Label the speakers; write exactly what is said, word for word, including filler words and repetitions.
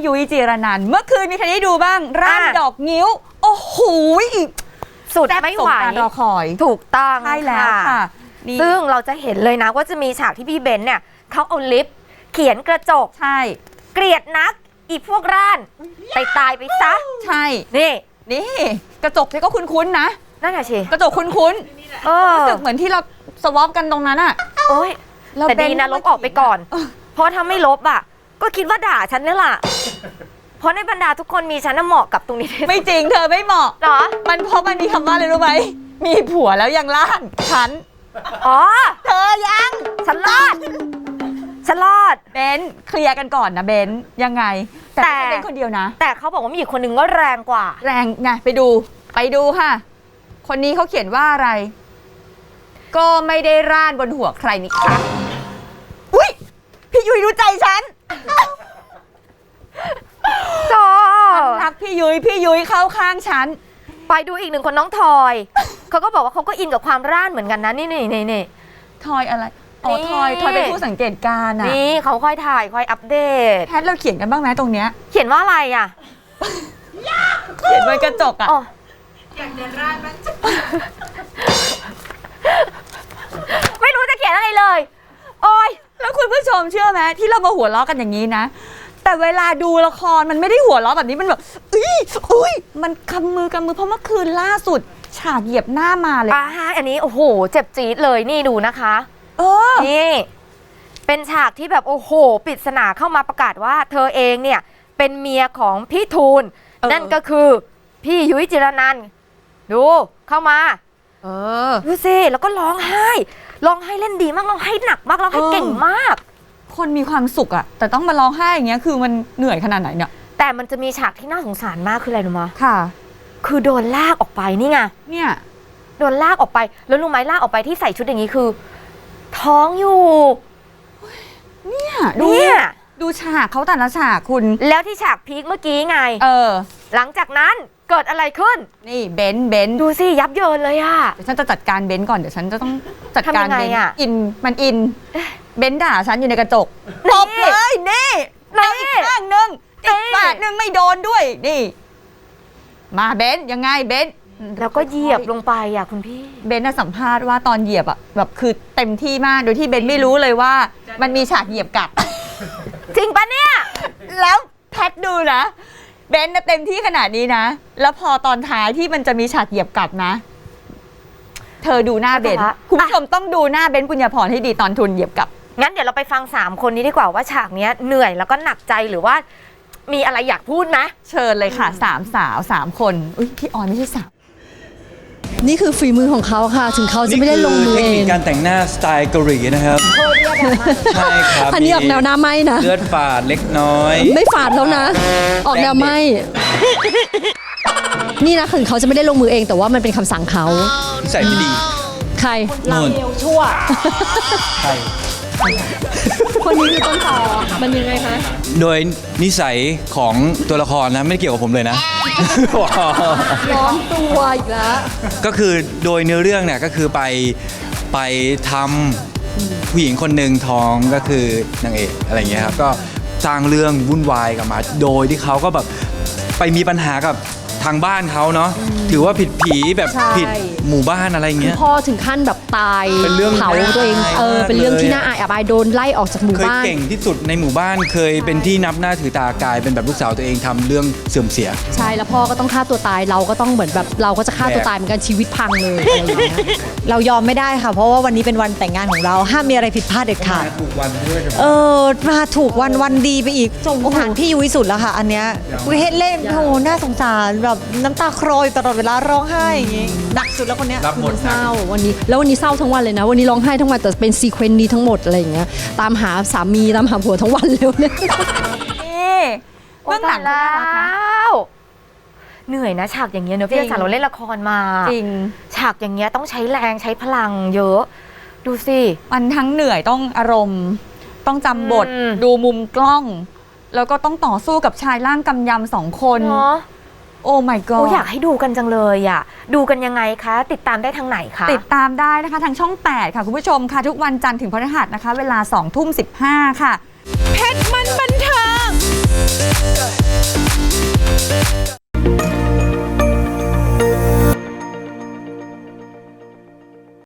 Speaker 1: ยุ้ยจีรนันท์เมื่อคืนมีใครได้ดูบ้างร่างดอกงิ้วโอ้โห
Speaker 2: สุดไม่ไหว
Speaker 1: รอคอย
Speaker 2: ถูกต้อง
Speaker 1: ใช่แล้วค่ะ
Speaker 2: ซึ่งเราจะเห็นเลยนะว่าจะมีฉากที่พี่เบนเนี่ยเขาเอาลิปเขียนกระจก
Speaker 1: ใช่
Speaker 2: เกลียดนักอีพวกร่านไปตายไปซะ
Speaker 1: ใช่
Speaker 2: นี่
Speaker 1: นี่กระจกที่ก็คุ้นๆนะ
Speaker 2: นั่นแหละสิ
Speaker 1: กระจกคุ้นๆรู้สึกเหมือนที่เราสวอปกันตรงนั้นอ่ะ
Speaker 2: โอ้ยแต่ดีนะลบออกไปก่อนเพราะถ้าไม่ลบอ่ะก็คิดว่าด่าฉันนี่แหละเพราะในบรรดาทุกคนมีฉันน่ะเหมาะกับตรงนี้
Speaker 1: ไม่จริงเธอไม่เหมาะ
Speaker 2: หรอ
Speaker 1: มันเพราะมันมีคำว่าอะไรรู้ไหมมีผัวแล้วยังล่านฉัน
Speaker 2: อ๋อ
Speaker 1: เธอยัง
Speaker 2: ฉันรอดฉันรอด
Speaker 1: เบนเคลียร์กันก่อนนะเบนยังไงแต่ไม่ใช่เบนคนเดียวนะ
Speaker 2: แต่เขาบอกว่ามีอีกคนนึงก็แรงกว่า
Speaker 1: แรงไงไปดูไปดูค่ะคนนี้เขาเขียนว่าอะไรก็ไม่ได้ร่านบนหัวใครนี่คะอุ้ยพี่ยุ้ยรู้ใจฉัน
Speaker 2: ก็
Speaker 1: รักพี่ยุ้ยพี่ยุ้ยเข้าข้างฉัน
Speaker 2: ไปดูอีกหนึ่งคนน้องทอยเขาก็บอกว่าเขาก็อินกับความร่านเหมือนกันนะนี่นี่นี่นี่
Speaker 1: ทอยอะไรอ๋อทอยทอยเป็นผู้สังเกตการณ์อ่ะ
Speaker 2: นี่เขาค่อยถ่ายค่อยอัปเดต
Speaker 1: แพทเราเขียนกันบ้างไหมตรงเนี้ย
Speaker 2: เขียนว่าอะไรอ่ะ
Speaker 1: เขียนบนกระจกอ่ะ
Speaker 3: อยากเดินร่านบ้าง
Speaker 2: ไม่รู้จะเขียนอะไรเลยโอ้ย
Speaker 1: แล้วคุณผู้ชมเชื่อไหมที่เรามาหัวเราะกันอย่างนี้นะแต่เวลาดูละครมันไม่ได้หัวเราะแบบนี้มันแบบอุ้ยอุ้ยมันกำมือกำมือเพราะเมื่อคืนล่าสุดฉากเหยียบหน้ามาเลย
Speaker 2: อ่าฮะอันนี้โอ้โหเจ็บจี๊ดเลยนี่ดูนะคะ
Speaker 1: เออ
Speaker 2: นี่เป็นฉากที่แบบโอ้โหปริศนาเข้ามาประกาศว่าเธอเองเนี่ยเป็นเมียของพี่ทูลนั่นก็คือพี่ยุ้ยจิรนันท์ดูเข้ามา
Speaker 1: เออ
Speaker 2: ดูสิแล้วก็ร้องไห้ร้องไห้เล่นดีมากร้องไห้หนักมากร้องไห้เก่งมาก
Speaker 1: คนมีความสุขอะแต่ต้องมาร้องไห้อย่างเงี้ยคือมันเหนื่อยขนาดไหนเนี่ย
Speaker 2: แต่มันจะมีฉากที่น่าสงสารมากคืออะไรรู้มั้ย
Speaker 1: ค่ะ
Speaker 2: คือโดนลากออกไปนี่ไง
Speaker 1: เนี่ย
Speaker 2: โดนลากออกไปแล้วรู้ไหมลากออกไปที่ใส่ชุดอย่างนี้คือท้องอยู่
Speaker 1: เนี่ยดูดูฉากเขาแต่ละฉากคุณ
Speaker 2: แล้วที่ฉากพีคเมื่อกี้ไง
Speaker 1: เออ
Speaker 2: หลังจากนั้นเกิดอะไรขึ้น
Speaker 1: นี่เบนเบน
Speaker 2: ดูสิยับเยินเลยอะ
Speaker 1: เดี๋ยวฉันจะจัดการเบนก่อนเดี๋ยวฉันจะต้องจัดการเบนอินมันอินเบนด่าฉันอยู่ในกระจกตบเลยนี่เอาอีกข้างนึงอีกฝ่ายนึงไม่โดนด้วยนี่มาเบนยังไงเบน
Speaker 2: แล้วก็เหยียบลงไปอ่ะคุณพี่
Speaker 1: เบนน่ะสัมภาษณ์ว่าตอนเหยียบอ่ะแบบคือเต็มที่มากโดยที่เบนไม่รู้เลยว่ามันมีฉากเหยียบกลับ
Speaker 2: จริงปะเนี่ย
Speaker 1: แล้วแพทดูนะเบนน่ะเต็มที่ขนาดนี้นะแล้วพอตอนท้ายที่มันจะมีฉากเหยียบกลับนะเธอดูหน้าเบนคุณผู้ชมต้องดูหน้าเบนปุญญาพรให้ดีตอนทุนเหยียบกลับ
Speaker 2: งั้นเดี๋ยวเราไปฟังสามคนนี้ดีกว่าว่าฉากนี้เหนื่อยแล้วก็หนักใจหรือว่ามีอะไรอยากพูดไหม
Speaker 1: เชิญเลยค่ะสามสาวสามคนอุ้ยพี่ออนไม่ใช่สาว
Speaker 4: นี่คือฝีมือของเขาค่ะถึงเขาจะไม่ได้ลงมือเอง
Speaker 5: เทคนิคการแต่งหน้าสไตล์เกาหลีนะครับใช่ครับ
Speaker 4: อันนี้ออกแนวหน้าไหมนะ
Speaker 5: เลือดฝาดเล็กน้อย
Speaker 4: ไม่ฝาดแล้วนะออกแนวไหมนี่นะถึงเขาจะไม่ได้ลงมือเองแต่ว่ามันเป็นคำสั่งเขา
Speaker 5: ใส่ไม่ดี
Speaker 4: ใคร
Speaker 5: เรา
Speaker 4: เร็วชั่ว
Speaker 5: ใคร
Speaker 4: คนนี้คือต้นตอมันยังไงคะ
Speaker 5: โดยนิสัยของตัวละครนะไม่เกี่ยวกับผมเลยนะ
Speaker 4: ร้อนตัวอีกแล้ว
Speaker 5: ก็คือโดยเนื้อเรื่องเนี่ยก็คือไปไปทำผู้หญิงคนหนึ่งท้องก็คือนางเอกอะไรเงี้ยครับก็สร้างเรื่องวุ่นวายกับมาโดยที่เขาก็แบบไปมีปัญหากับทางบ้านเขาเนาะถือว่าผิดผีแบบผิดหมู่บ้านอะไรเงี้ย
Speaker 4: พ่อถึงขั้นแบบตายเผาตัวเองเออเป็นเรื่องที่น่าอายอับอายโดนไล่ออกจากหมู่บ้าน
Speaker 5: เคยเก่งที่สุดในหมู่บ้านเคยเป็นที่นับหน้าถือตากลายเป็นแบบลูกสาวตัวเองทำเรื่องเสื่อมเสีย
Speaker 4: ใช่แล้วพ่อก็ต้องฆ่าตัวตายเราก็ต้องเหมือนแบบเราก็จะฆ่าตัวตายเหมือนกันชีวิตพังเลยอะไรอย่างเงี้ย
Speaker 6: เรายอมไม่ได้ค่ะเพราะว่าวันนี้เป็นวันแต่งงานของเราห้ามมีอะไรผิดพลาดเด็ดขาด
Speaker 5: ถูกวันด้วย
Speaker 6: เออมาถูกวันวันดีไปอีกสงสารพี่ยุ้ยสุดแล้วค่ะอันเนี้ยเฮ็ดเล่นโหน่าสงสารแบบน้ำตาคลอตลอดเวลาร้องไห้อย่างงี้หนักสุดแล้วคนเนี้ย
Speaker 5: รับหมด
Speaker 4: เศร้าวันนี้แล้ววันนี้เศร้าทั้งวันเลยนะวันนี้ร้องไห้ทั้งวันแต่เป็นซีเควนต์นี้ทั้งหมดอะไรอย่างเงี้ยตามหาสามีตามหาผัวทั้งวันเลยเนี่ย
Speaker 1: เบื้องหลัง
Speaker 2: แล้วเหนื่อยนะฉากอย่างเงี้ยเนอะพี่จ๋าเราเล่นละครมา
Speaker 1: จริง
Speaker 2: ฉากอย่างเงี้ยต้องใช้แรงใช้พลังเยอะดูสิ
Speaker 1: มันทั้งเหนื่อยต้องอารมณ์ต้องจำบทดูมุมกล้องแล้วก็ต้องต่อสู้กับชายร่างกำยำสองคนโอ้ my god
Speaker 2: อยากให้ดูกันจังเลยอ่ะดูกันยังไงคะติดตามได้ทางไหนคะ
Speaker 1: ติดตามได้นะคะทางช่องแปดค่ะคุณผู้ชมค่ะทุกวันจันทร์ถึงพฤหัสนะคะเวลาสองทุ่มสิบห้าค่ะเพชรมันบันเทิง